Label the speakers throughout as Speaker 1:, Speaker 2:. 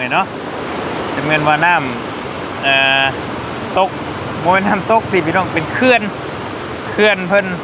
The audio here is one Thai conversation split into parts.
Speaker 1: ไงเนาะจะเป็นว่าน้ำตกโมเป็นน้ำตกสิพี่น้องเป็นเขื่อนเพิ่น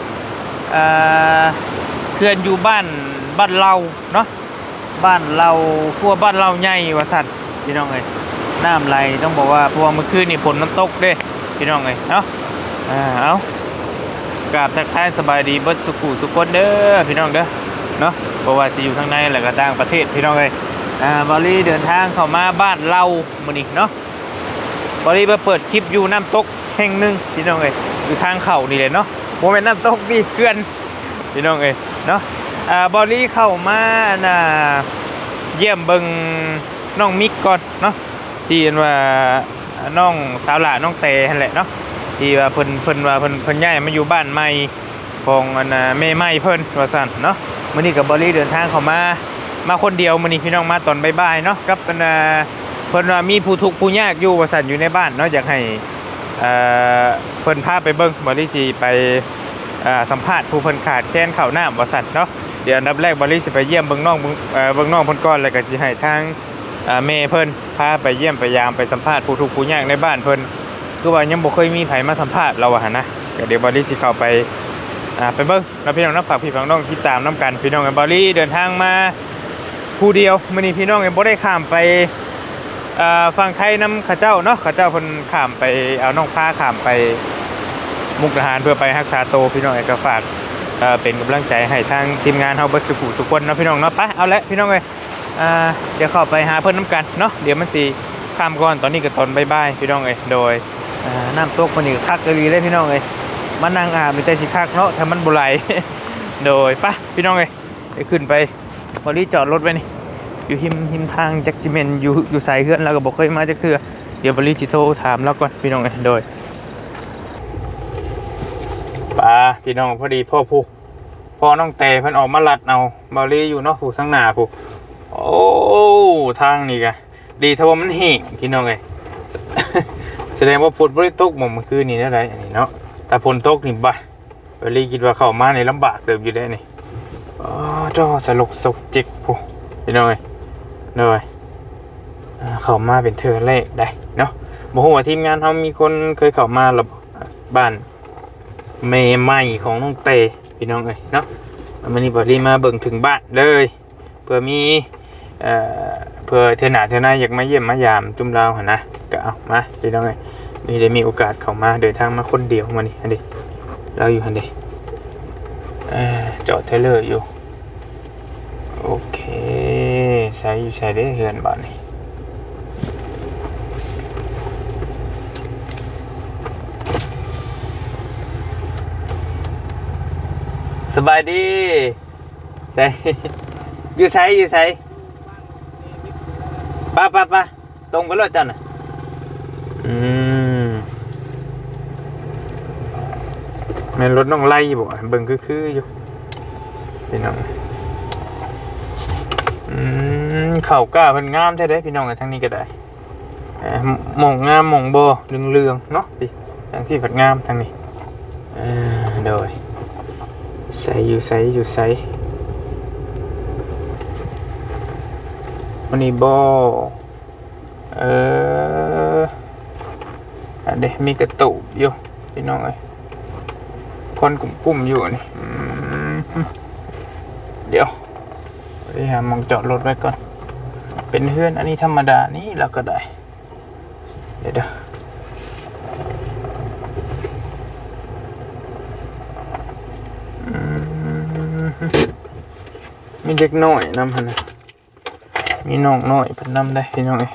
Speaker 1: เขื่อนอยู่บ้านเราเนาะบ้านเราพวกบ้านเราใหญ่ว่าสัตว์พี่น้องเลยน้ำไหลต้องบอกว่าพวกเมื่อคืนนี่ฝนน้ำตกเด้พี่น้องเลยเนาะเอากราบทักทายสบายดีเบิดสุขุสุขคนเด้อพี่น้องเด้อเนาะเพราะว่าจะอยู่ข้างในและก็ต่างประเทศพี่น้องเลยบอลลี่เดินทางเข้ามาบ้านเรามื้อนี้เนาะบอลลี่มาเปิดคลิปอยู่น้ำตกแห่งหนึ่งพี่น้องเลยอยู่ทางเข่านี่เลยเนาะโมเมนต์น้ำตกดีเขื่อนพี่น้องเลยเนาะบอลลี่เข้ามาเยี่ยมเบิงน้องมิกก่อนเนาะที่เห็นว่าน้องสาวหล่าน้องเตนั่นแหละเนาะที่ว่าเพิ่นย้ายมาอยู่บ้านใหม่ของแม่ใหม่เพิ่นว่าซั่นเนาะมื้อนี้กับบอลลี่เดินทางเข้ามาคนเดียวมื้อนี้พี่น้องมาตอนบ่ายๆเนาะกับเพิ่นว่ามีผู้ทุกข์ผู้ยากอยู่ว่าซั่นอยู่ในบ้านเนาะอยากให้เพิ่นพาไปเบิ่งบอลลี่สิไปสัมภาษณ์ผู้เพิ่นขาดแคลนข้าวน้ำว่าซั่นเนาะเดี๋ยวอันดับแรกบอลลี่สิไปเยี่ยมเบิ่งน้องเพิ่นก่อนแล้วก็สิให้ทางแม่เพิ่นพาไปเยี่ยมไปยามไปสัมภาษณ์ผู้ทุกข์ผู้ยากในบ้านเพิ่นคือว่ายังบ่เคยมีไผมาสัมภาษณ์เราอะนะเดี๋ยวบอลลี่สิเข้าไปเบิ่งแล้วพี่น้องนักฝากพี่น้องติดตามน้ำกันพี่น้องกับบอลลี่เดินทางมาผู้เดียวมื้อนี้พี่น้องยังบ่ได้ข้ามไปฝั่งไทยน้ำข้าเจ้าเนาะข้าเจ้าเพิ่นข้ามไปเอาน้องฟ้าข้ามไปมุกดาหารเพื่อไปรักษาโตพี่น้องก็ฝากเป็นกำลังใจให้ทางทีมงานเฮาเบิดสุขคนเนาะพี่น้องเนาะไปเอาละพี่น้องเอ้ยเดี๋ยวเข้าไปหาเพิ่นน้ำกันเนาะเดี๋ยวมันสิข้ามก่อนตอนนี้ก็ตอนบ่ายๆพี่น้องเอ้ยโดยน้ำตกคนนี้คักอีหลีเลยพี่น้องเอ้ยมานั่งอาบมีแต่สิคักเนาะถ้ามันบ่ไหล โดยไปพี่น้องเอ้ยเดี๋ยวขึ้นไปบริจอดรถไว้นี่อยู่หิมทางจักจิเมนอยู่สายเฮือนแล้วก็บอกเคยมาจักเทื่อเดี๋ยวบริจิโทรถามแล้วก่อนพี่น้องเอ้ยโดยป้าพี่น้องพอดีพ่อน้องเตเพิ่นออกมาลัดเอาบริอยู่เนาะผู้ทั้งหน้าผู้โอ้ทางนี่กะดีถ้าว่ามันแห้งพี่น้องเอ้ย แสดงว่าฝนบ่ได้ตกเมื่อคืนนี้ได้ไรอันนี้เนาะแต่ฝนตกนี่บ่บริคิดว่าเข้ามาในลำบากเติบอยู่ได้นี่จ้อสลกสกจิกผู้พี่น้องเอ้ยเลยเข้ามาเป็นเธอเลขได้เนาะบอกว่าทีมงานเขามีคนเคยเข้ามาหรอบ้านเมย์ใหม่ของน้องเตพี่น้องเอ้ยเนาะวันนี้บอดี้มาเบิ่งถึงบ้านเลยเพื่อมีเพื่อเทน่าอยากมาเยี่ยมมายามจุ่มเราหนะก็เอามาพี่น้องเอ้ยได้มีโอกาสเข้ามาเดินทางมาคนเดียวมานี่อันเดีเราอยู่อันเดีจอดเทเลอร์อยู่โอเคใช้ได้เฮือนบ้านนี่สบายดีใช่อยู่ใช้ป้าตรงไปรถจันน่ะแม่นรถน้องไล่บ่เบิ่งคืออยู่พี่น้องเข่ากล้าเป็นงามแท้ได้พี่น้องทั้งนี้ก็ได้หม่องงามหม่องบ่เรืองเนาะพี่ทางที่ผัดงามทางนี้โดยใส่วันนี้บ่อันเดมีกระตุกอยู่พี่น้องเอ้ยคนกุ้มอยู่นี่เดี๋ยวไปหามองจอดรถไว้ก่อนเป็นเฮือนอันนี้ธรรมดานี่เราก็ได้เดี๋ยวมีเด็กน้อยนำพันนะมีน้องน้อยพันนำได้พี่น้องเอ้ย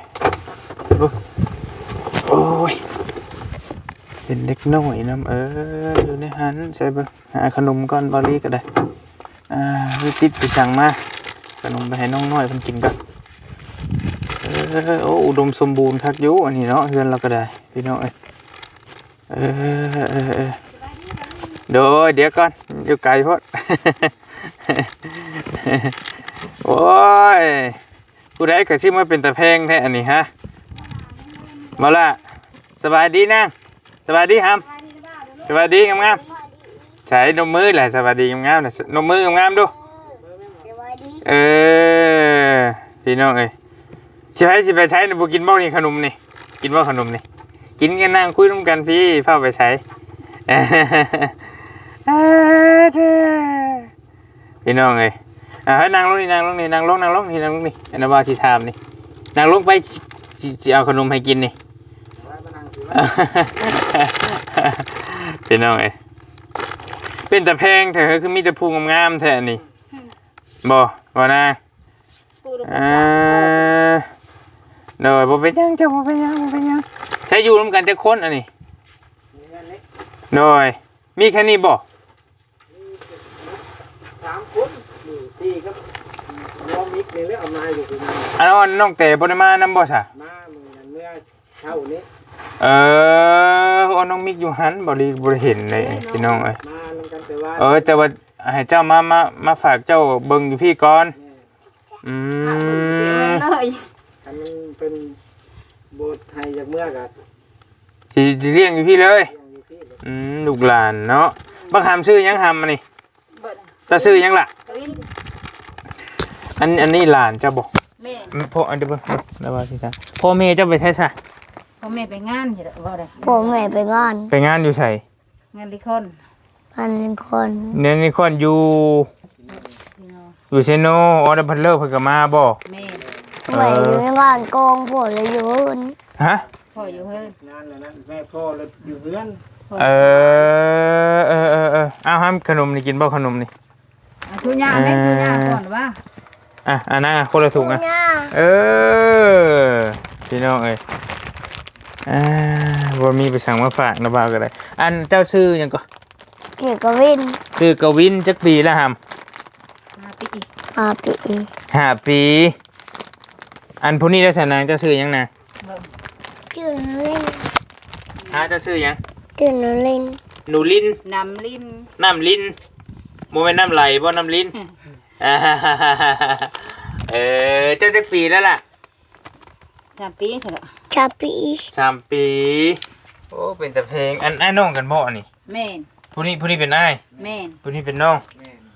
Speaker 1: โอ้ยเป็นเด็กน้อยนำอยู่ในหันใส่เบอร์หาขนมก่อนบอลลี่ก็ได้ติดไปสั่งมาขนมไปให้น้องน้อยเพิ่นกินกันโอ้อุดมสมบูรณ์คักอยู่อันนี้เนาะเฮือนเราก็ได้พี่น้องเอ้ยเดี๋ยวก่อนอยู่ไกลโพด โอ้ยผู้ใดก็ชื่อมาเป็นตะแพงแท้อันนี้ฮะมาละสบายดีนะสบายดีครับสบายดีงามๆใช้นมมือแหละสบายดีงามๆเลยนมมืองามๆดูพี่น้องเอ้ยสิไปใช้นี่บ่กินบ่นี่ขนมนี่กินบ่ขนมนี่กินกันนั่งคุยร่วมกันพี่พาไปใช้พี่น้องเอ้ยให้นั่งลงนี่นั่งลงนี่นั่งลงนี่อันนั้นว่าสิถามนี่นั่งลงไปสิเอาขนมให้กินนี่พี่น้องเอ้ยเป็นแต่แพงแท้คือมีแต่ภูงามๆแท้นี่บ่นะเดี๋ยวบ่เป็นยังจ้ะบ่เป็นยังใช้อยู่ร่วมกันจะคนอันนี้โดยมีแค่นี้บ่
Speaker 2: 3คนนี่4ครับน้องมิกนี่แล้วเอามาอยู่ที่นั่น
Speaker 1: อันนั้นน้องเต๋บ่ได้มานำบ่ซะ
Speaker 2: มาเมื่อเช้านี้
Speaker 1: น้องมิกอยู่หันบ่ได้เห็นเลยพี่น้องเอ้ย
Speaker 2: มานำกันแต่ว่า
Speaker 1: แต่ว่าให้เจ้ามาฝากเจ้าเบิ่งอยู่พี่ก่อน
Speaker 3: เสียเงินเลย
Speaker 2: อันมันเป็นโบสถ์ไทยจากเมื่อกัน
Speaker 1: สิเลี้ยงอยู่พี่เลยลูกหลานเนาะบักหามชื่อยังหามมานี่ตาชื่อยังล่ะอันนี้หลานเจ้าบ่
Speaker 3: แม่
Speaker 1: พ่ออันเดี๋ยวเบิ่งแล้วว่าสิครับพ่อแม่เจ้าไปใช้ซะ
Speaker 3: พ่อแม่ไปงานอยู่บ่ได้
Speaker 4: พ่อแม่ไปงาน
Speaker 1: อยู่ไส
Speaker 3: งานลิคอน
Speaker 1: นี่คนอยู่เซโนออเดอร์พันเลอร์เพิ่นก็มาบ่
Speaker 3: แม่
Speaker 4: แม่อยู่ในงานกองพ่อเลยอยู่อื่น
Speaker 1: ฮะ
Speaker 3: พ่ออยู่เฮือน
Speaker 2: งานนั้นแม่พ่อเลยอยู่เฮือน
Speaker 1: เอาห้ามขนมนี่กินบ่ขนมนี่
Speaker 3: ทุย่างแม่ทุย่างก่อนว่า
Speaker 1: อันนั้นคนละถุงพี่น้องเอ้ยบ่มีไปสั่งมาฝากนะบ่าวก็ได้อันเจ้าชื่อหยังก็
Speaker 4: ชื่อกวิน
Speaker 1: จักปีแล้วหำ
Speaker 4: 5 ปี
Speaker 1: อันผู้นี้ได้สนางเจ้าชื่อหยังนะ
Speaker 4: ชื่อลิน
Speaker 1: เจ้าชื่อหยัง
Speaker 4: ชื่อหนูลิน
Speaker 3: น้ำลิน
Speaker 1: โมเมนต์น้ำไหลบ่น้ำลิ้นเจ้าจักปีแล้วล่ะ
Speaker 3: 3 ปีใช่หรอ
Speaker 4: 3 ปี
Speaker 1: โอ้เป็นแต่เพลงอันน้องกันบ่นี่
Speaker 3: แม่น
Speaker 1: ผู้นี้เป็นอ้าย
Speaker 3: แม่น
Speaker 1: ผู้นี้เป็นน้อง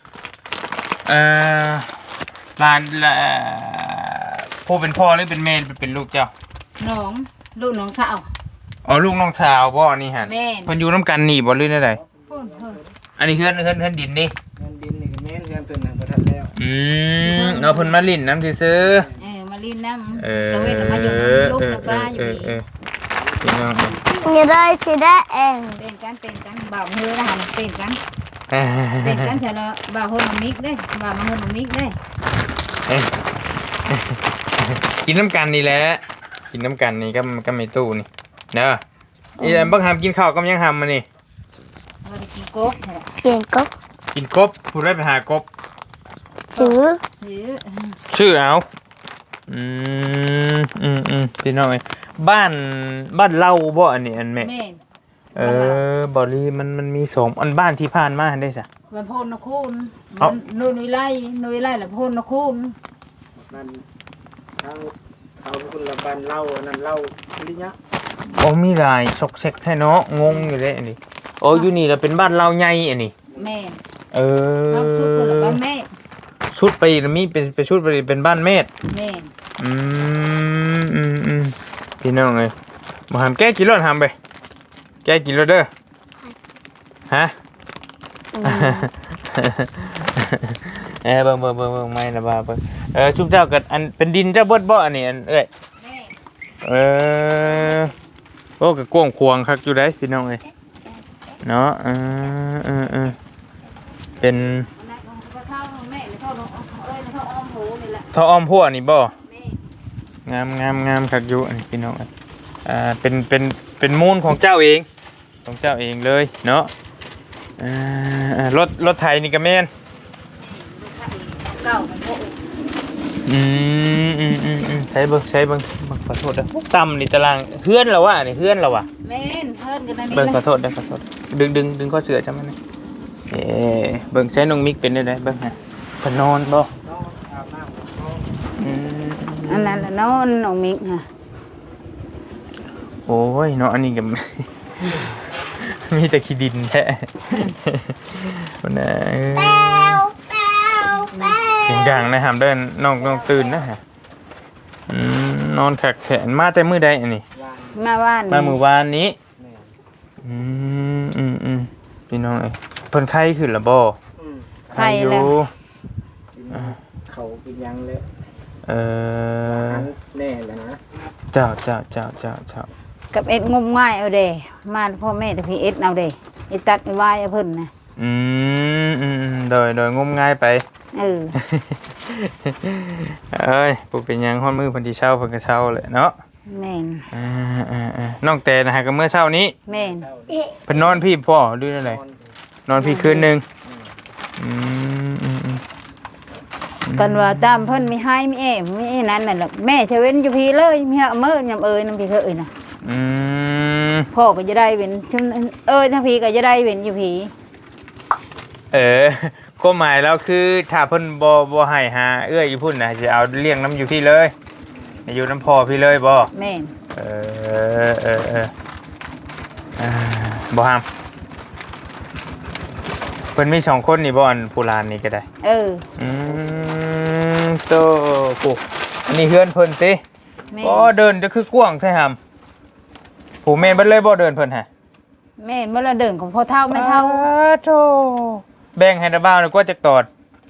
Speaker 1: หลานผู้เป็นพ่อหรือเป็นแม่เป็นลูกเจ้า
Speaker 3: ลูกน้องสาว
Speaker 1: ลูกน้องสาวบ่นี่ฮะ
Speaker 3: แม่น
Speaker 1: เพิ่นอยู่นํกันนี่บ่หรือไดอันนี้เฮือนดินนี่
Speaker 2: เฮือนดินนี่ก็แม่นเฮือนตัวนั้นบ่ทันแล้ว
Speaker 1: เอาเพิ่นมาลิ้นน้ำซื่อ
Speaker 3: มาลิ้นน้ำตะเวนมาอยู่ลูกกับป้าอยู่นี่
Speaker 1: พี่น้อง
Speaker 4: นี่ได้สิได้เอง
Speaker 3: เป็นกันบ่าวเฮือนะฮะเป็นกันใช่แล้วบ่าวโฮนมิกได้บ่าวมาโฮนมิกได้
Speaker 1: กินน้ำกันนี่แหละกินน้ำกันนี่ก็ไม่ตู้นี่เนาะนี่บักหามกินข้าวก็ยังหามมานี่
Speaker 3: กินกบ
Speaker 1: ผู้ได้ไปหากบ
Speaker 4: ชื่อ
Speaker 1: เอาพี่น้องบ้านเล่าบ่อันนี้อันแม่บ่ลีมันมี2อันบ้านที่ผ่านมาได้ซะ
Speaker 3: บ้านโพนนคูนนุยไล่ละโพนนคูน
Speaker 2: มันเขาคนละบ้านเล่านั่นเล่าลิญะ
Speaker 1: มีหลายซอกแซกแท้เนาะงงอยู่เลยอันนี้อยู่นี่ล่ะเป็นบ้านเล่าใหญ่อันนี้
Speaker 3: แม่
Speaker 1: ชุด
Speaker 3: คนละบ้านแม่
Speaker 1: ชุดไปมีเป็นชุดไปเป็นบ้านแม่
Speaker 3: แม่
Speaker 1: พี่น้องเอ้ยบ่หามแก้กินรถหามไปแก้กินรถเด้อฮะเบิ่งไม่นะบ่าเบิ่งชุบเจ้ากับอันเป็นดินเจ้าเบิดบ่อันนี้อันเอ้ยโอ้ก็กว้างขวางคักอยู่ได้พี่น้องเอ้ยเนาะเป็นท่ออ้อมหัวนี่บ่งามคักอยู่อันนี้พี่น้องเป็นมูลของเจ้าเองเลยเนาะรถไถนี่ก็แม่นใช้เบิ่งขอโทษนะต่ำนี่ตารางเฮือนเราวะนี่เฮือนเราวะ
Speaker 3: แม่นเฮือนกันนั่นนี่
Speaker 1: เบิ่งขอโทษดึงข้อเสือจังมันนี่เบิ่งใช้น้องมิกเป็นได้เบิ่งฮะเพิ่นนอนบ่
Speaker 3: อันนั้นละนอนน้องมิกฮะ
Speaker 1: โอ้ยเนาะอันนี้ก็มีแต่ขี้ดินแท้นะเสียงดังนะหามเดินน้องตื่นนะฮะนอนขักแขนมาแต่มื้อใดอันนี้
Speaker 2: วาน
Speaker 3: มาว่าน
Speaker 1: มามื้อวานนี้
Speaker 2: แม่
Speaker 1: พี่น้องเอ้ยเพิ่นไข้ขึ้นแล้วบ่
Speaker 2: อืม
Speaker 3: ไข่
Speaker 1: อยู่
Speaker 3: แล้ว
Speaker 2: กินเขากินยังเลย
Speaker 1: เออ
Speaker 2: แน่เลยนะ
Speaker 1: เจ้า
Speaker 3: กับเอ็ดงมง่ายเอาเด้มาพ่อแม่แต่พี่เอ็ดเอาเด้ไอ้ตัดไอ้วายเอาเพิ่นนะ
Speaker 1: โดยงมง่ายไป
Speaker 3: เออ
Speaker 1: เอ้ยบ่เป็นหยังฮ้อนมือเพิ่นสิเช้าเพิ่นก็เช้าแหละเนาะ
Speaker 3: แม่น
Speaker 1: น้องแต่นะฮะก็เมื่อเช้านี้
Speaker 3: แม่น
Speaker 2: เศร้า
Speaker 1: เพิ่นนอนพี่พ่อดูนั่นแหละนอนพี่คืนนึงอืม
Speaker 3: กันว่าตามเพิ่นมีให้มีแอมมีนั่นน่ะแหละแม่ใช้เว้นอยู่พี่เลยมีเฮามื้อยำเอ้ยนำพี่เคยน่ะ
Speaker 1: อืม
Speaker 3: พ่อก็จะได้เว้นชุมทั้งพี่ก็จะได้เว้นอยู่พี่
Speaker 1: ความหมายแล้วคือถ้าเพิ่นบ่ให้หาเอื้ออยู่พุ่นน่ะสิเอาเลี้ยงน้ำอยู่พี่เลยให้อยู่น้ำพ่อพี่เลยบ่
Speaker 3: แม่น
Speaker 1: บ่ห้ามเพิ่นมี2คนนี่บ่อันผู้หลานนี่ก็ได้ โตปุ๊อันนี้เฮือนเพิ่นติ
Speaker 3: แม่น
Speaker 1: บ่เดินจะคือกว้างแท้หำผู้แม่นเบิดเลยบ่เดินเพิ่นฮะ
Speaker 3: แม่นเมื่อเราเดินของพ่อเฒ่าแม่เฒ่า
Speaker 1: โธ่แบ่งให้ตาบ้าวนี่กว่าจักตอด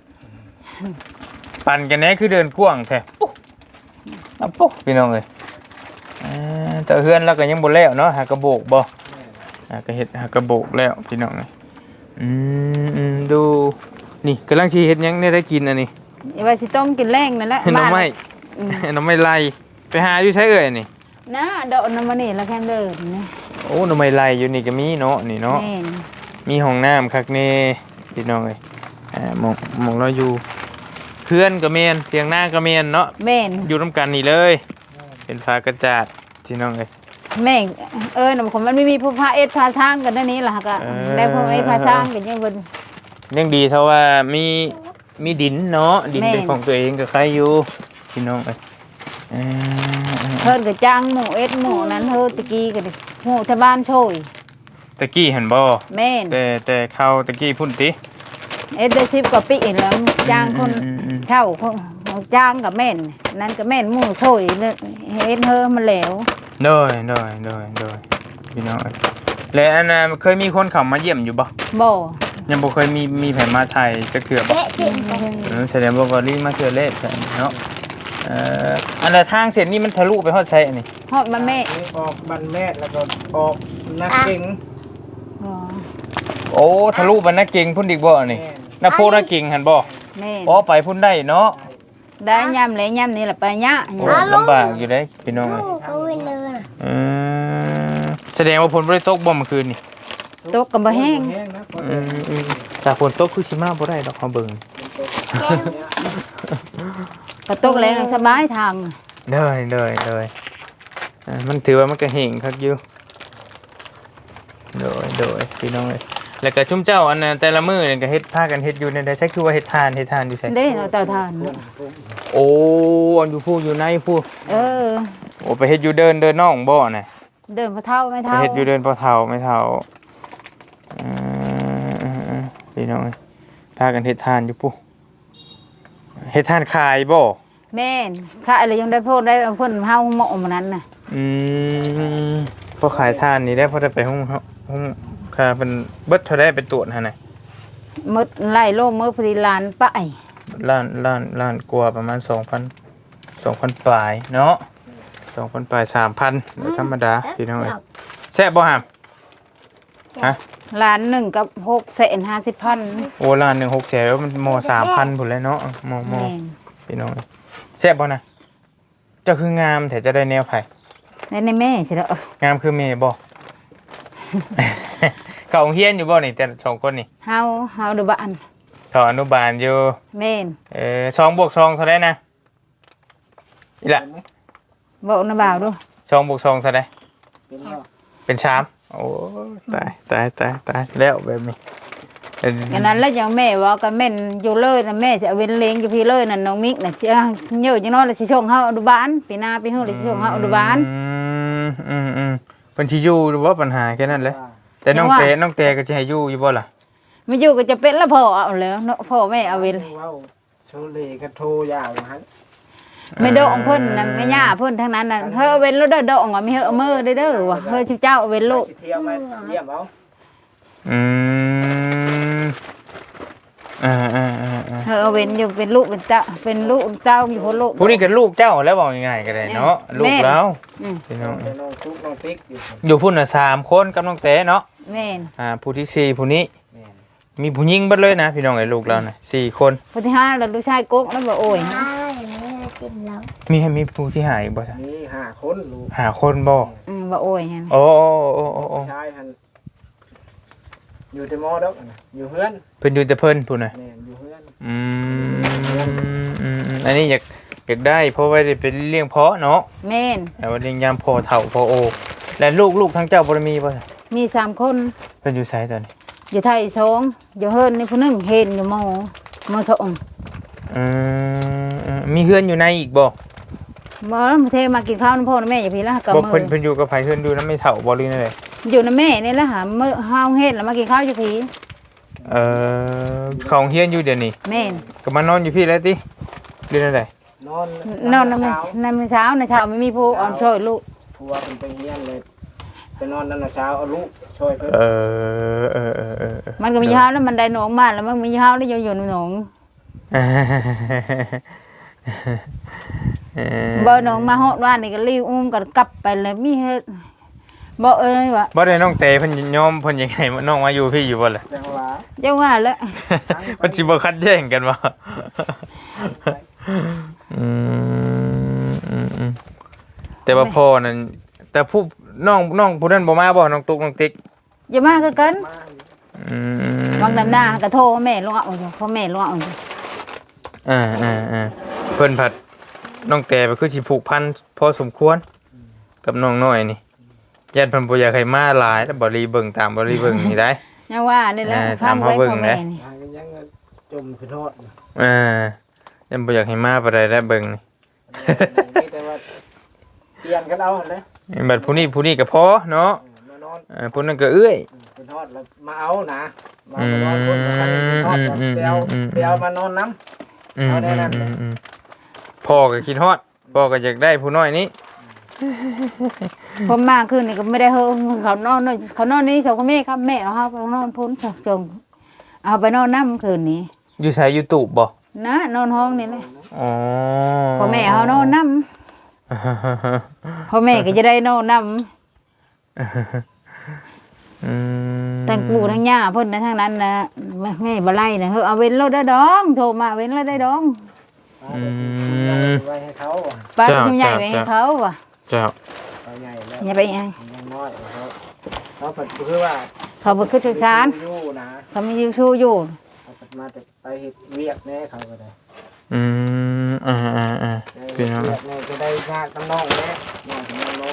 Speaker 1: ปั่นกันแน่คือเดินกว้างแท้ปุ๊ปุ๊พี่น้องเอ้ยแต่เฮือนเราก็ยังบ่แล้วเนาะหากระโบกบ่ก็เฮ็ดหากระโบกแล้วพี่น้องเอ้ยดูนี่กำลังสิเฮ็ดหยังได้กินอันนี้
Speaker 3: อย่าว่าสิต้มกินแรงนั่นแหละ
Speaker 1: น้ำไม้
Speaker 3: อืม
Speaker 1: น้ำไม้ไล่ไปหาอยู่ใช้เอ่ยนี่
Speaker 3: นะดอกน้ำมันนี่แล้วแค่เดินนี่
Speaker 1: โอ้น้ำไม้ไล่อยู่นี่ก็มีเนาะนี่เนาะ
Speaker 3: แม่น
Speaker 1: มีห้องน้ำคักแน่พี่น้องเอ้ยมองเราอยู่เพื่อนก็เมนเตียงหน้าก็เมนเนาะ
Speaker 3: แม่น
Speaker 1: อยู่ร่วมกันนี่เลย เป็นฟ้ากระจาดพี่น้องเอ้ย
Speaker 3: แม่นน่ะคนมันไม่มีผู้พาเอ็ดพาช้างกันนั่นนี่ล่ะก็ได้ผู้เอ็ดพาช้างกันยังเพิ่น
Speaker 1: ยังดีเท่าว่ามีดินเนาะดิน
Speaker 3: แม่
Speaker 1: เป็นของตัวเองก็ใครอยู่พี่น้องเอ้ยเอ่อ
Speaker 3: เพิ่นก็จ้างหมู่เอ็ดหมู่นั้นเฮอตะกี้ก็ดิหมู่ที่บ้านโชย
Speaker 1: ตะกี้เห็นบ่
Speaker 3: แม่น
Speaker 1: แต่เข้าตะกี้พุ่นติ
Speaker 3: เอ็ดได้10กว่าปีแล้วจ้างคน
Speaker 1: อืม
Speaker 3: เช่าคนจ้างกับแม่นนั้นก็แม่นหมู่โชยเอ็ดเฮอมันแล้ว
Speaker 1: โดยพี่น้องเอ้ยและอันน่ะเคยมีคนเข้ามาเยี่ยมอยู่บ่
Speaker 3: บ่
Speaker 1: ยังบ่เคยมีแผนมาไทยจะเกือบ่แสดงว่าบริมาเกือเล่เนาะอันละทางเส้นนี้มันทะลุไปฮอดใช้อันนี้
Speaker 3: ฮอดมาแม่
Speaker 2: ออกบันแม่แล้วก็ออกนักเก่ง
Speaker 3: บ่
Speaker 1: โอ้ทะลุไปนักเก่งพุ่นอีกบ่อันนี้นักโพนักเก่งหั่นบ่
Speaker 3: แม่น
Speaker 1: อ๋อไปพุ่นได้เนาะ
Speaker 3: ได้ย่ำเลยย่ำนี่แหละไปยะ
Speaker 1: โอ้ลำบากอยู่เด้พี่น้อง
Speaker 4: ลูกก็วิ่งเลย
Speaker 1: แสดงว่าฝนบ่ได้ตกบ่เมื่อคืนนี่
Speaker 3: ตกกับบ่แห้ง
Speaker 2: นะพอ
Speaker 1: ถ้าฝนตกคือสิมาบ่ได้ดอกเฮาเบิ่ง
Speaker 3: ก็ตกแรงสบายทาง
Speaker 1: เด้อมันถือว่ามันก็เฮงคักอยู่โดยพี่น้องเอ้ยแล้วก็ชุมเจ้าอันนั้นแต่ละมื้อนี่ก็เฮ็ดพากันเฮ็ดอยู่ในใดใช้คือว่าเฮ็ดทานอยู่ไส
Speaker 3: เด้เราเต่าทาน
Speaker 1: โอ้อันอยู่ผู้อยู่ในผู้
Speaker 3: เออ
Speaker 1: โอ้ไปเฮ็ดอยู่เดินน้องบ่น่ะ
Speaker 3: เดินพอเท่าไม่
Speaker 1: ไป
Speaker 3: เท่า
Speaker 1: เฮ็ดอยู่เดินพอเฒ่าไม่เฒ่าพี่น้องเอ้ยพากันเฮ็ดทานอยู่ผู้เฮ็ดทานขายบ่
Speaker 3: แม่นข้าอะไรยังได้พูดได้เพิ่นเฮาเหมาะมันนั้นน่ะ
Speaker 1: พอขายทานนี่ได้พอได้ไปห้องค่าเป็นเบิดเท่าได้ไปตรวจหั่นน่ะ
Speaker 3: มดไล่โลมมื้อพอดีลานป้าย
Speaker 1: ล้านกว่าประมาณ 2,000ปลายเนาะ 2,000ปลาย 3,000โดยธรรมดาพี่น้องเอ้ยแซ่บบ่หามฮะ
Speaker 3: ล้าน1กับ650,000
Speaker 1: โอ้ล้านหนึ่ง6แสนแล้วมันม3,000พุ่นแล้วเนาะม
Speaker 3: แม่น
Speaker 1: พี่น้องแซ่บบ่นะเจ้าคืองามแต่จะได้แนวไผ
Speaker 3: ในแม่สิเด้อง
Speaker 1: ามคือแม่บ่ เขาโรงเรียนอยู่บ่นี่แต่สองคนนี่
Speaker 3: เฮาดูบ้าน
Speaker 1: เขาอนุบาลอยู่
Speaker 3: แม่น
Speaker 1: 2 บวก 2เท่าไดนะอีหละ
Speaker 3: บอกนะบ่าวดู
Speaker 1: 2 บวก 2เท่าได
Speaker 2: เป็นว่า
Speaker 1: เป็น3โอ้ตายแล้วแบบนี้
Speaker 3: กันนั้นแล้วยังแม่ว่ากันแม่นอยู่เลยนะแม่สิเอาเว้นเลงอยู่พี่เลยนั่นน้องมิกน่ะสิเยอะจังน้อยแล้วสิส่งเฮาอนุบาลปีหน้าปีฮู้แล้วสิส่งเฮาอนุบาล
Speaker 1: เพิ่นสิอยู่หรือว่าปัญหาแค่นั้นแหละแต่น้องเตก็สิให้อยู่บ่ล่ะ
Speaker 3: ไม่อยู่ก็จะเป็นละพ่อเอาแล้วเนาะพ่อแม่เอาเว้น
Speaker 2: ว้าวโชเลกระโทยาวนะฮะ
Speaker 3: ไม่ดองเพิ่นน่ะไม่ย่าเพิ่นทั้งนั้นน่ะเฮ้ยเอาเว้นแล้วเด้อดองอ่ะมีเฮ้ยเอามือเด้อว่ะเฮ้ยเจ้าเอาเว้นลูก
Speaker 2: สิเที่ยวมาเยี่ยมเอา
Speaker 1: อืมอ่า
Speaker 3: เฮ้ยเอาเว้นอยู่เป็นลูกเป็นเจ้าเป็นลูกเจ้าอยู่คนลูก
Speaker 1: ผู้นี้ก็ลูกเจ้าแล้วบอกง่ายๆก็ได้เนาะลูกแล้ว
Speaker 3: อืม
Speaker 1: พี่น้อง
Speaker 2: น้องตุ๊กน้องติ๊กอยู่
Speaker 1: อยู่พุ่นน่ะ3คนกับน้องเต๋เนาะ
Speaker 3: แม่น
Speaker 1: ผู้ที่4ผู้นี้
Speaker 2: แม่น
Speaker 1: มีผู้หญิงเบิดเลยนะพี่น้องไอ้ลูกเราน่ะ4คน
Speaker 3: คนที่5แล้วลูกชายกกแล้วบ่โอ้ย
Speaker 4: ใช่ไม่ได้กินแล้ว
Speaker 1: มีผู้ที่หายบ่ซะ
Speaker 2: มี5คนลูก
Speaker 1: 5คนบ่
Speaker 3: บ่โอ้ยหั่น
Speaker 1: โอ้
Speaker 2: ชายหันอยู่ที่มอดอกนะอยู่เฮือน
Speaker 1: เพิ่นอยู่แต่เพิ่นพุ่นน่ะ
Speaker 2: แม่นอยู่เฮือน
Speaker 1: อันนี้อยากได้เพราะว่าได้เป็นเลี้ยงเพาะเนาะ
Speaker 3: แม่น
Speaker 1: แต่ว่าเลี้ยงยามพอเฒ่าพอโอและลูกทั้งเจ้าบ่ได้มีบ่ซะ
Speaker 3: มี3คน
Speaker 1: เพิ่นอยู่ไสตอนนี้
Speaker 3: อยู่ไทย2อยู่เฮิรนนี่ผู้หนึงเห็นอยู่มสอง
Speaker 1: มีเฮือนอยู่ในอีกบ่
Speaker 3: บ่เทมากินข้าวนำพ่อนำแม่อย่าพี่ละกับ
Speaker 1: บ่
Speaker 3: มื
Speaker 1: เพิ่นอยู่กับไผเฮือนอยู่นำไม่เฒ่าบ่หรือนั่นแหละ
Speaker 3: อยู่นำแม่นี่แหละหามื้อเฮาเฮ็ดแล้วมากินข้าวอยู่พี่
Speaker 1: ของเฮียนอยู่เดี๋ยวนี้
Speaker 3: แม่น
Speaker 1: ก็มานอนอยู่พี่แล้วติหรือนั่นแหละ
Speaker 2: นอน
Speaker 3: นอนนำเช้าในเช้าไม่มีผู้อ่อนช่วยลูก
Speaker 2: ผัวเป็นไปเฮียนเลยไปนอนนั่นน่ะเช้าเอาลูกช่วยเพิ่น
Speaker 3: มันก็มีเช้าแล้วมันได้หนองมาแล้วมันมีเช้าแล้วอยู่ในหนองบ่หนองมาฮอดว่านี่ก็รีบอุ้มกันกลับไปเลยมีเฮ็ดบ่เอ้ยว่า
Speaker 1: บ่ได้น้องเตเพิ่นยอมเพิ่นยังไงน้องมาอยู่พี่อยู่บ่ล่ะ
Speaker 2: จังหวะ
Speaker 3: จังว่าแล้ว
Speaker 1: เพิ่นสิบ่คัดแย่งกันบ่แต่ว่าพ่อนั่นแต่ผู้น้องผู้นั้นบ่มาบ่น้องตุ๊กน้องติ๊ก
Speaker 3: อย่ามาคือกัน
Speaker 2: มา
Speaker 3: บางดำหน้าก็โทรแม่ลงเอาอยู่พ่อแม่ลงเอาอยู่
Speaker 1: เพิ่นผัดน้องแต่ไปคือสิผูกพันพอสมควรกับน้องน้อยนี่ญาติเพิ่นบ่อยากให้มาหลายแล้วบ่รีเบิ่งตามบ่รีเบิ่งนี่ได้
Speaker 3: ยังว่านี่แหละ
Speaker 1: ตามเขาเบิ่งนะ
Speaker 3: นี่
Speaker 2: หากันยังจมขึ้นฮอด
Speaker 1: ยันบ่อยากให้มาปานใดแล้วเบิ่งนี่
Speaker 2: มีแต่ว่าเปลี่ยนกันเอาเลย
Speaker 1: บัดผู้นี้ก็พอเนาะ
Speaker 2: มานอน
Speaker 1: ผู้นั้นก็เอื้อย
Speaker 2: ขึ้นฮอดแล้วมาเอานะมานอนคนกับใครขึ้นฮอดไปเอามานอนน้ำเอาได้นั่น
Speaker 1: พ่อก็คิดฮอดพ่อก็อยากได้ผู้น้อยนี้
Speaker 3: ผมมาคืนนี่ก็ไม่ได้เฮาเขานอนนี่เขาก็แม่ครับแม่เอาเฮาไปนอนพ้นจงเอาไปนอนน้ำคืนนี้
Speaker 1: อยู่ไสอยู่ตูบบ่
Speaker 3: นะนอนห้องนี่เลย
Speaker 1: อ๋อ
Speaker 3: พ่อแม่เอานอนน้ำพ่อแม่ก็จะได้นอนน้ำทั้งปู่ทั้งย่าเพิ่นนะทั้งนั้นนะแม่บ่ไล่นะเฮาเอาเว้นรถได้ดองโทรมาเว้นรถได้ดอง
Speaker 2: ไว้ให้เขา
Speaker 3: ป้าคุณใหญ่ไปให้เขาว่ะ
Speaker 1: เจ้า
Speaker 2: เอาใหญ่แล้ว
Speaker 3: อย่าไป
Speaker 2: ยังน้อยเขาคือว่า
Speaker 3: เขาบ่คือศึกษา
Speaker 2: อยู่นะ
Speaker 3: เขามีอยู่ชู้อยู่
Speaker 2: เขามาแต่ไปเฮ็ดเวียกแน่เขาก็ได้
Speaker 1: พี่น้อง
Speaker 2: เวียกแน่จะได้ญาติกับน้องแน่น้องกับน้อง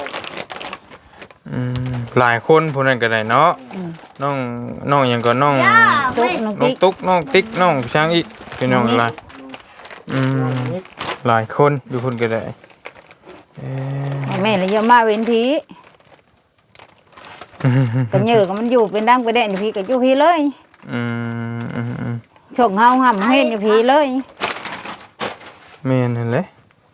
Speaker 1: หลายคนผู้นั้นก็ได้เนาะน้องหยังก็น้อง
Speaker 3: ตุ๊กน้อง
Speaker 1: น้อง
Speaker 3: ติ๊ก
Speaker 1: ตุ๊กน้องติ๊กน้องช้างอีกพี่น้องหลายหลายคนอยู่คนก็ได้
Speaker 3: แม่เลยเยอะมาเว้นทีก็เหยื่อก็มันอยู่เป็นดังไปแดนอยู่พี่ก็อยู่พี่เลยชงเฮาห่ำเฮ็ดอยู่พี่เลย
Speaker 1: แม่นนั่นแหละ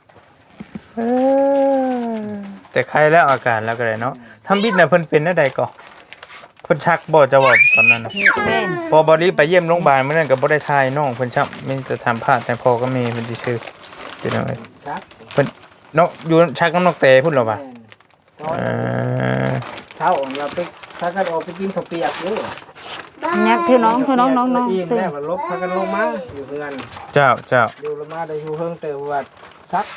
Speaker 1: แต่ใครแล้วอาการแล้วก็ได้เนาะทำบิดน่ะเพิ่นเป็นได้ใดก็เพิ่นชักบ่จะว่าตอนนั้นน่ะ
Speaker 3: แม่น
Speaker 1: พอบอดี้ไปเยี่ยมโรงพยาบาลเมื่อนั้นก็บ่ได้ทายน้องเพิ่นช้ำมีแต่ทำพลาดแต่พอก็มีเพิ่นสิชื่อพี่น้องเอ้ย
Speaker 2: ซัก
Speaker 1: เพิ่นน้องอยู่ชักน้ำนกเตพุ่นหรอป่ะ
Speaker 2: เช้าเราไปถ้ากันออกไปกินข้าวเปียกอยู่
Speaker 3: ยักคือน้อง
Speaker 2: อิ่ม
Speaker 3: ตื่น
Speaker 2: แล้วลบพากันลงมาอยู่เพื่อน
Speaker 1: เจ้า
Speaker 2: อยู่ลงมาได้อยู่เพิ่งเติมว่าซัก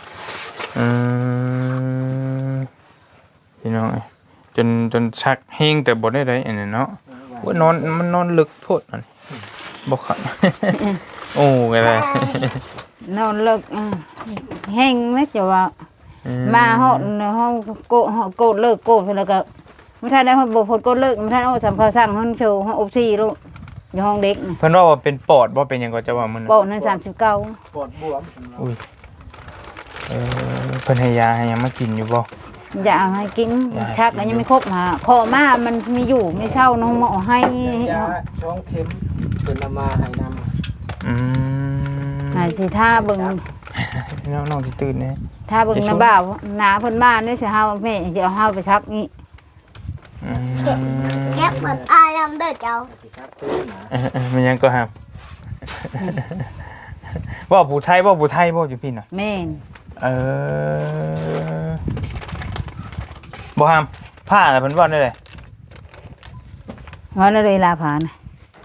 Speaker 1: พี่น้องเอ้ยจนชักเฮงแต่บ่ได้อันนี้เนาะว่านอนมันนอนลึกโพดอันบ่คันโอ้ไงเลย
Speaker 3: นอนเลิกแห้งนะจะว่ามาเฮาโกดเลิกโกดแล้วก็ไม่ทันได้เฮาบ่พดโกดเลิกไม่ทันเอาสำเขาสั่งเฮาโชว์เฮาอบซี่ลูกอยู่ห้องเด็ก
Speaker 1: เพิ่นว่าเป็นปอดบ่เป็นหยังก็จะว่ามัน
Speaker 3: ปอนั้น39
Speaker 2: ปวดบวม
Speaker 1: อุ้ยเพิ่นให้ยาให้หยังมากินอยู่บ่
Speaker 3: อย่าให้กินชักก็ยังไม่ครบหาคอมามันมีอยู่ไม่เศร้าน้องหมอให้
Speaker 2: ยาช่องเข็มเป็นมาให้นำ
Speaker 3: หาสิท่าเบิ่ง
Speaker 1: น้องที่ตื่นเนี่ย
Speaker 3: ถ้าเบิ่งน้ำบ่าวหนาเพิ่นมานี่สิเฮาแม่จะเอาเฮาไปซักนี่
Speaker 4: แก็บเหมือนอายน้ำเด้อเจ้า
Speaker 2: สิครับตื่นนะ
Speaker 1: มันยังก็ห้ามว่าผู้ไทยว่าอยู่พี่น่ะ
Speaker 3: แม่น
Speaker 1: บ่ห้ามผ้าน่ะเพิ่นว่าได้เลย
Speaker 3: ว่าเลยลาผานะ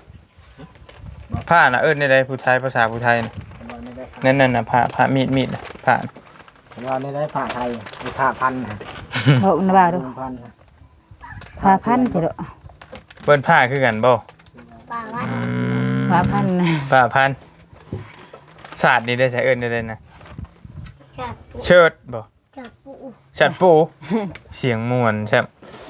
Speaker 1: ผ้าน่ะได้เลยผู้ไทยภาษาผู้ไทยน่ะ
Speaker 2: ว่าไม่ได้
Speaker 1: นั่นน่ะผ้ามีดน่ะผ้า
Speaker 2: ว่าไม่ได้ผ้าไทยมีผ้าพันนะ
Speaker 3: บอกน้ำบ่าวดู
Speaker 2: พันนะ
Speaker 3: พาพันจิโด
Speaker 1: เปิ้นผ้าคือกันบ่
Speaker 4: ป่าว่า
Speaker 3: พาพันนะ
Speaker 1: ผ้าพันศาสตร์นี่ได้ใช้ได้เลยนะ
Speaker 4: จับปู
Speaker 1: เชิดบ่
Speaker 4: จับปู
Speaker 1: ชัดปู เสียงม่วนใช่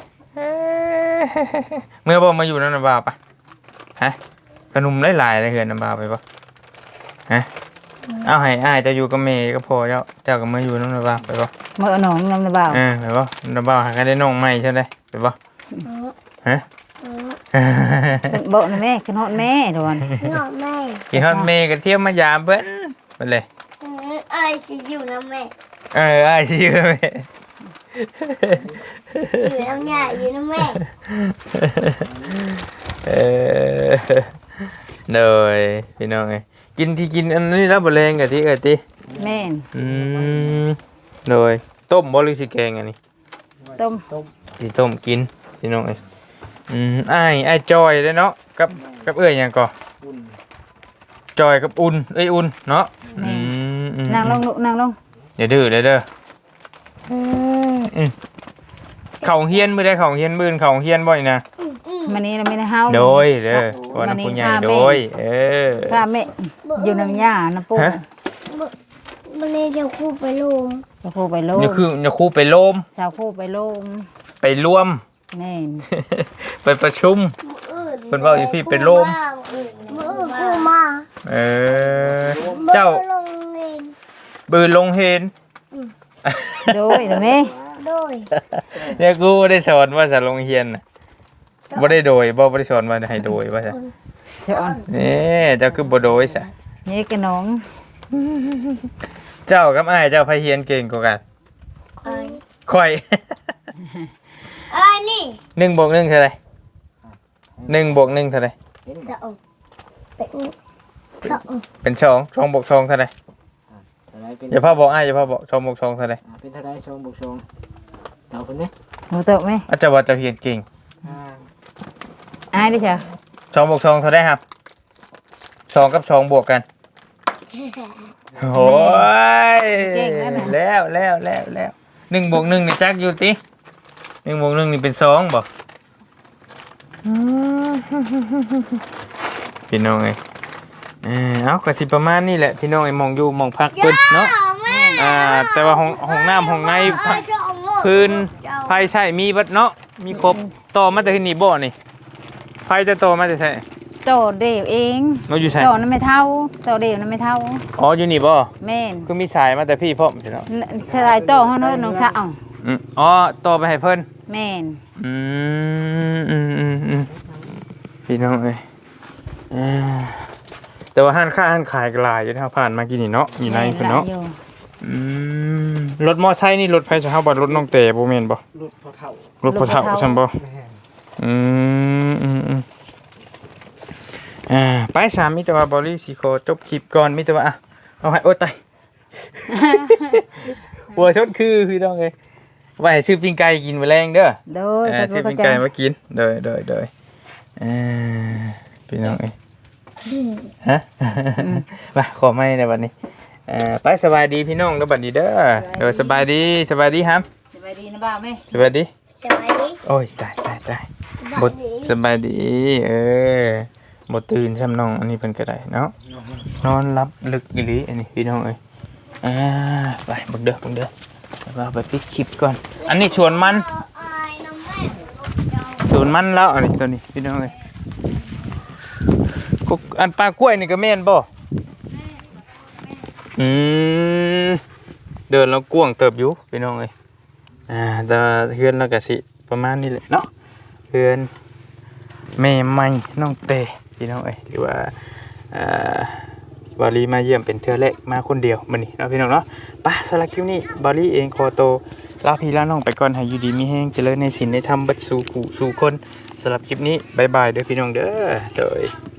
Speaker 1: เมื่อบ่มาอยู่นั่นน่ะบ่าวปะฮะขนมหลายๆเลยเฮือนน่ะบ่าวไปบ่ฮะเอาให้อ้ายเจะอยู่กับแม่ก็พอเจ้าก็มาอยู่นั่นน่ะบ่าวไปบ่
Speaker 3: เมื่อหนองน้ำบ่าว
Speaker 1: ไปบ่น่ะบ่าวหากันได้น้องใหม่ใช่ไหมไปบ่ฮะ
Speaker 3: บอกนะแม่ขึ้นฮอดแม่ดวน
Speaker 4: งอแม่
Speaker 1: กินฮอดแม่ก็เที่ยวมายามเพิ่นไปเลย
Speaker 4: เอ้ยสิอยู่นะแม่
Speaker 1: อ้ายสิอยู่กับแม่
Speaker 4: อยู่น้ำยาอยู่นะแม่
Speaker 1: โดยพี่น้องไงกินอันนี้แล้วบ่แรงกะติติ
Speaker 3: แม่น
Speaker 1: โดยต้มบ่หรือสิแกงอันนี้
Speaker 3: ต้ม
Speaker 1: สิต้มกินพี่น้องเอ้ยอ้ายจอยเด้อเนาะกับเอ้ยหยังก่อ
Speaker 2: อุ่น
Speaker 1: จอยกับอุ่นอุ่นเนาะ
Speaker 3: นั่งลงลูกนั่งลง
Speaker 1: อย่าดื้อเด้อเข้าเฮียนมื้อใดเข้าเฮียนมื้อเข้าเฮียนบ่อยนะ
Speaker 3: มันนี้เราไม่ได้เฮา
Speaker 1: โดยเด้อวันผู้ใหญ่โดย
Speaker 3: ข้าแม่อยู่น้ำยาน้ำปู
Speaker 4: มันเลยจะคู่ไปลง
Speaker 3: จะคู่ไปโลม
Speaker 1: นี่คือจะครูไปโลม
Speaker 3: สาวคู่ไปโลม
Speaker 1: ไปรวม
Speaker 3: แม่น
Speaker 1: ไปประชุม เพิ่นเว้าอยู่พี่เป็นลม
Speaker 4: มือคู่มา
Speaker 1: เจ้า
Speaker 4: ลงเงิน
Speaker 1: บืนลงเฮน
Speaker 3: โดยนะแม่
Speaker 4: โดย
Speaker 1: เนี่ยกูบ่ได้สอนว่าจะลงเฮียนน่ะบ่ได้โดยบ่ได้สอนว่าให้โดยว่าซะ
Speaker 3: เจ้าอ่อน
Speaker 1: นี่เจ้าคือบ่โดยซะ
Speaker 3: นี่กระน้อง
Speaker 1: เจ้ากับอ้ายเจ้าไผเฮียนเก่งกว่ากัน
Speaker 4: เอ้ย
Speaker 1: ค่อย
Speaker 4: เอ้ยนี่
Speaker 1: 1 บวก 1เท่าไหร่1 บวก 1เท่าไหร่
Speaker 4: สองเป็นสอง
Speaker 1: เป็น2 2 บวก 2เท่าไหร่
Speaker 2: อะไรเป็น
Speaker 1: อย่าพาบอกอ้ายอย่าพาบอก2 บวก 2เท่าไหร่
Speaker 2: เป็นเท่าไรชมบุกชมเต่าคนไหม
Speaker 3: หนูเติบไหม
Speaker 1: อาจจะว่าเจ้าเฮียนเก่ง
Speaker 3: อายดิจ้ะ
Speaker 1: 2 บวก 2เท่าไหร่ครับ2กับ2บวกกันโอ้ยแล้ว1 บวก 1นี่จักอยู่ติ1 บวก 1นี่เป็น2บ่พี่น้องเอ้ยเอาก็สิประมาณนี้แหละพี่น้องไอ้มองอยู่มองพักเพิ่นเนาะแต่ว่าห้องน้ำห้องในพื้นไฟใช้มีเบิดเนาะมีครบต่อมาแต่ที่นี่บ่นี่ไฟจะต่อมาแต่ไส
Speaker 3: โตเดียวเอง
Speaker 1: เนาะอยู่ไส
Speaker 3: โตนั้นไม่เท่าโตเดียวนั้นไม่เท่า
Speaker 1: อ๋ออยู่นี่บ่
Speaker 3: แม่น
Speaker 1: คือมีสายมาแต่พี่พร้อมใช่เนาะ
Speaker 3: สลายโตเฮาเนาะน้องสาว
Speaker 1: อ๋อต่อไปให้เพิ่น
Speaker 3: แม่น
Speaker 1: พี่น้องเอ้ยแต่ว่าห้านค้าห้านขายก็หลายอยู่นะครับผ่านมากินนี่เนาะอยู่ในเพิ่นเนาะรถมอไซค์นี่รถไผจะเฮาบ่รถน้องเต๋บ่แม่นบ่
Speaker 2: ลูกพอเท่าร
Speaker 1: ถพ่อเฒ่าซั่นบ่ไปสามมีแต่ว่าบริสิขอจบคลิปก่อนมีแต่ว่าเอาให้โอ๊ยตายหัวชดคือพี่น้องเอ้ยไว้ให้ซื้อปิ้งไก่กินมื้อแรงเด้อ
Speaker 3: โดย
Speaker 1: ซื้อปิ้งไก่มากินโดยพี่น้องเอ้ยฮะมาขอไม้ในวันนี้ไปสบายดีพี่น้องเด้อบัดนี้เด้อโดยสบายดีครับ
Speaker 3: สบายดีนะบ่าวแม่
Speaker 1: สบายดี
Speaker 4: สบายดี
Speaker 1: โอ้ยตายบดสบายดีบดตื่นซ้ำน้องอันนี้เป็นกระไดเนาะนอนรับลึกอีหลีอันนี้พี่น้องเอ้ยไปบังเด้อเราไปปิดคลิปก่อนอันนี้ชวนมันชวนมันแล้วอันนี้ตัวนี้พี่น้องเอ้ยอันปลากล้วยนี่ก็แม่นบ่เดินแล้วกวางเติบอยู่พี่น้องเอ้ยแต่เฮือนแล้วก็สิประมาณนี้แหละเนาะเฮือนแม่ใหม่น้องเตพี่น้องเอ้ยหรือว่าบาลีมาเยี่ยมเป็นเทื่อแรกมาคนเดียวมื้อนี้เนาะพี่น้องเนาะไปสำหรับคลิปนี้บาลีเองขอโตวลาพี่ลาน้องไปก่อนให้อยู่ดีมีแฮงเจริญในศีลในธรรมเบิดสู่ผู้สู่คนสำหรับคลิปนี้บ๊ายบายเด้อพี่น้องเด้อโดย